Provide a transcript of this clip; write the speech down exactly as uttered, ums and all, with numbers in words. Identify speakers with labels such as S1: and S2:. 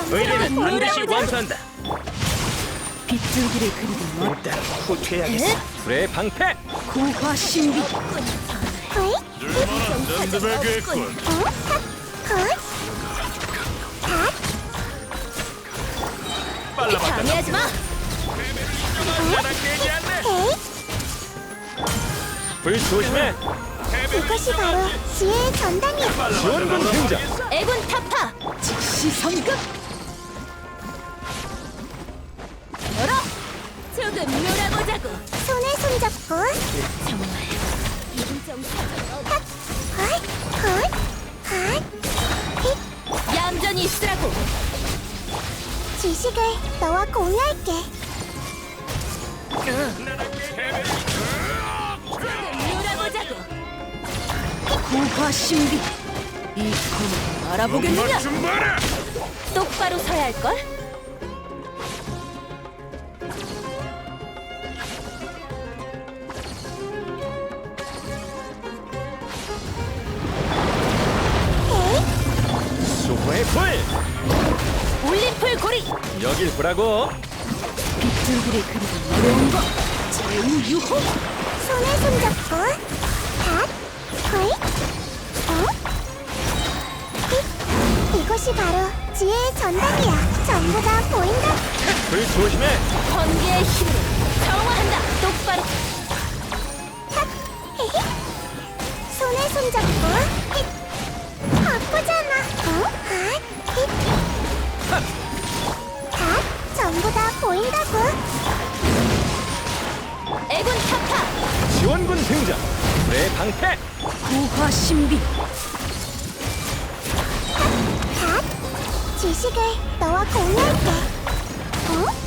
S1: 의뢰는 반드시 완수한다.
S2: 빗줄기를 그리는 것
S1: 일단 후퇴해야겠어. 불의 방패.
S2: 고화 신비
S3: 헐?
S4: 랜드백이군.
S3: 어? 헐? 핫?
S4: 빨라봤다.
S2: 방해하지 마.
S3: 헤이?
S1: 불 조심해.
S3: 이것이 바로 지혜의 전당이야.
S1: 지원군 등장.
S2: 애군 타파 즉시 성급 열어 조금 놀아보자고.
S3: 손에 손잡고
S2: 정말 인정사정
S3: 핫! 헐? 헐? 핫!
S2: 얌전히 있으라고.
S3: 지식을 너와 공유할게.
S2: 조금 놀아보자고. 고화 신비 이 검을 알아보겠느냐.
S4: 좀 봐라.
S2: 똑바로 서야 할걸.
S1: 수호의 불.
S2: 올림플 고리
S1: 여길 보라고.
S2: 빗줄기를 그리는 어려운 것 제우유호.
S3: 손에 손잡고 핫! 헐? 어? 히! 이것이 바로 지혜의 전당이야. 전부 다 보인다.
S1: 불 조심해.
S2: 번개의 힘으로 정화한다. 똑바로
S3: 핫! 헤헤! 손에 손잡고 히! 바쁘잖아. 어? 핫! 히!
S1: 핫.
S3: 핫! 전부 다 보인다고.
S2: 애군 타파
S1: 지원군 등장. 불의 방패.
S2: 고화 신비
S3: 핫! 지식을 너와 공유할게. 어?